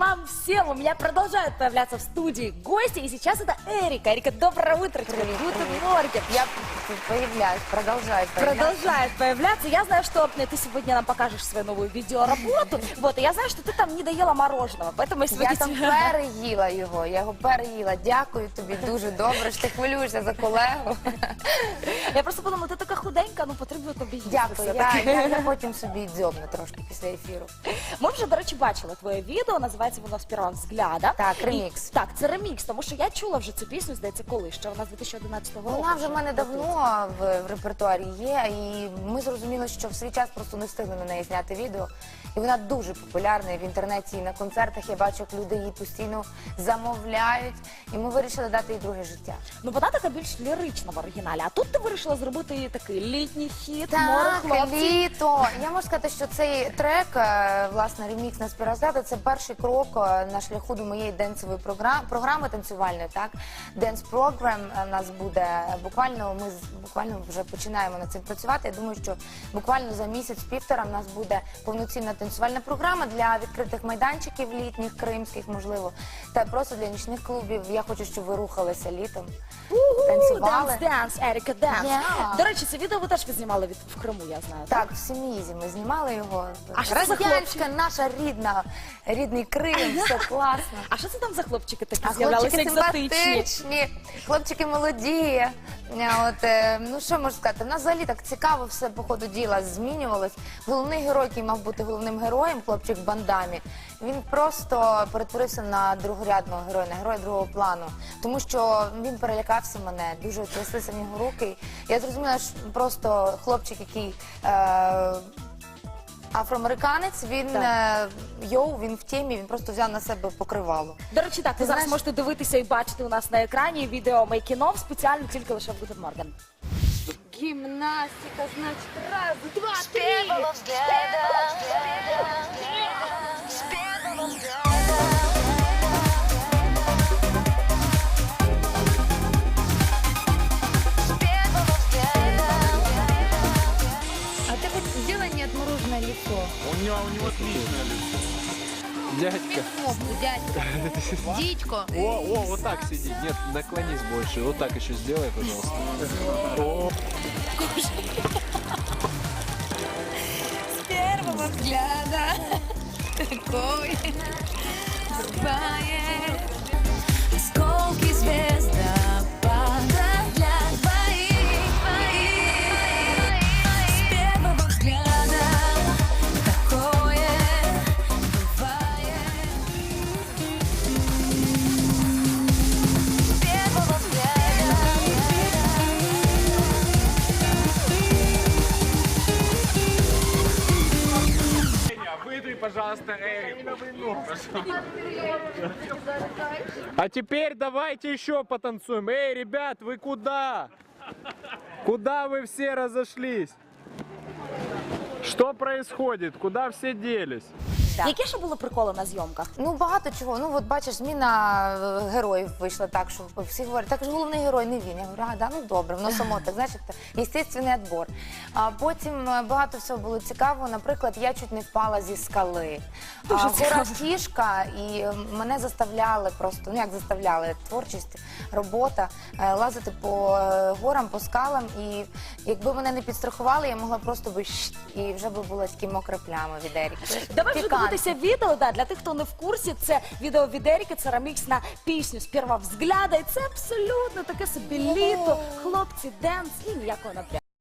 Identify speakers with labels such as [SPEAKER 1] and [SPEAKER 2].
[SPEAKER 1] вам всем! У меня продолжают появляться в студии гости, и сейчас это Эрика. Эрика, доброе утро тебе. Гутен морген.
[SPEAKER 2] Я появляюсь, продолжаю появляться.
[SPEAKER 1] Продолжает появляться. Я знаю, что ты сегодня нам покажешь свою новую видеоработу. Вот, и я знаю, что ты там не доела мороженого, поэтому я сегодня...
[SPEAKER 2] Я там переїла його, я його переїла. Дякую тобі дуже добре, що ти хвилюєшся за колегу.
[SPEAKER 1] Я просто подумала, ти така худенька, ну потрібно тобі їсти.
[SPEAKER 2] Дякую, я потім собі дзьобну трошки після ефіру.
[SPEAKER 1] Ми вже, до речі, бачили твоє відео, називається воно «З першого взгляда».
[SPEAKER 2] Так, ремікс.
[SPEAKER 1] Так, це ремікс, тому що я чула вже цю пісню, здається, коли? Ще вона з 2011 року.
[SPEAKER 2] Вона вже в мене давно в репертуарі є, і ми зрозуміли, що в свій час просто не встигли на неї зняти відео. І вона дуже популярна і в інтернеті, і на концертах. Я бачу, як люди її постійно замовляють. І ми вирішили дати їй друге життя.
[SPEAKER 1] Ну, вона така більш лірична в оригіналі, а тут ти вирішила зробити такий літній хіт, море хлопців.
[SPEAKER 2] Літо. Я можу сказати, що цей трек, власне, ремікс на «Спірозгляда» – це перший крок на шляху до моєї денсової програми танцювальної, так? Dance Program у нас буде буквально, ми буквально вже починаємо над цим працювати. Я думаю, що буквально за місяць-півтора в нас буде повноцінна танцювальна програма для відкритих майданчиків літніх, кримських, можливо, та просто для нічних клубів. Я хочу, щоб ви рухалися літом, танцювали.
[SPEAKER 1] Денс, Еріка, денс.
[SPEAKER 2] Yeah.
[SPEAKER 1] До речі, це відео ви теж знімали в Криму, я знаю.
[SPEAKER 2] Так, в Семізі ми знімали його.
[SPEAKER 1] А що це за
[SPEAKER 2] Радянська, наша рідний Крим, все класно.
[SPEAKER 1] А що це там за хлопчики такі
[SPEAKER 2] А
[SPEAKER 1] з'являлися
[SPEAKER 2] хлопчики
[SPEAKER 1] екзотичні?
[SPEAKER 2] симпатичні, хлопчики молоді. Ну що можу сказати, в нас взагалі так цікаво все по ходу діла змінювалось. Головний герой, який мав бути головним героєм, хлопчик в бандамі, він просто перетворився на другорядного героя, на героя другого плану. Тому що він перелякався мене, дуже тряслися в нього руки. Я зрозуміла, що просто хлопчик, який... Афроамериканець, він він в темі, він просто взяв на себе покривало.
[SPEAKER 1] До речі, так, ви зараз можете дивитися і бачити у нас на екрані відео мейкінов спеціально тільки лише в Гутен морген.
[SPEAKER 2] Гімнастика, значить, раз, два,
[SPEAKER 3] С первого взгляда, с первого взгляда. С первого взгляда.
[SPEAKER 2] А ты хоть сделай неотмороженное лицо.
[SPEAKER 4] У него отличное лицо. Дядька.
[SPEAKER 2] Дядька. Дідько.
[SPEAKER 4] О, вот так сиди. Нет, наклонись больше. Вот так еще сделай, пожалуйста. О.
[SPEAKER 2] С первого взгляда такой бывает.
[SPEAKER 3] Осколки звездопада для двоих. С первого взгляда такое бывает. С первого взгляда.
[SPEAKER 4] Выдуй, пожалуйста, Эрику. А теперь давайте еще потанцуем. Эй, ребят, вы куда? Куда вы все разошлись? Что происходит? Куда все делись?
[SPEAKER 2] Да.
[SPEAKER 1] Які ще були приколи на зйомках?
[SPEAKER 2] Ну, багато чого. Ну, от бачиш, зміна героїв вийшла так, що всі говорять, так ж головний герой не він. Я говорю, да, ну добре, воно само так, знаєш, естественний відбор. А потім багато всього було цікаво. Наприклад, я чуть не впала зі скали. Гора Кішка, і мене заставляли просто, ну як заставляли, творчість, робота, лазити по горам, по скалам. І якби мене не підстрахували, я могла просто би і вже би була такі мокра пляма від Еріки.
[SPEAKER 1] Давай вже дивитися відео, для тих, хто не в курсі, це відео від Еріки, це ремікс на пісню «З першого взгляда», і це абсолютно таке собі літо, хлопці, денс і ніякого напрямку.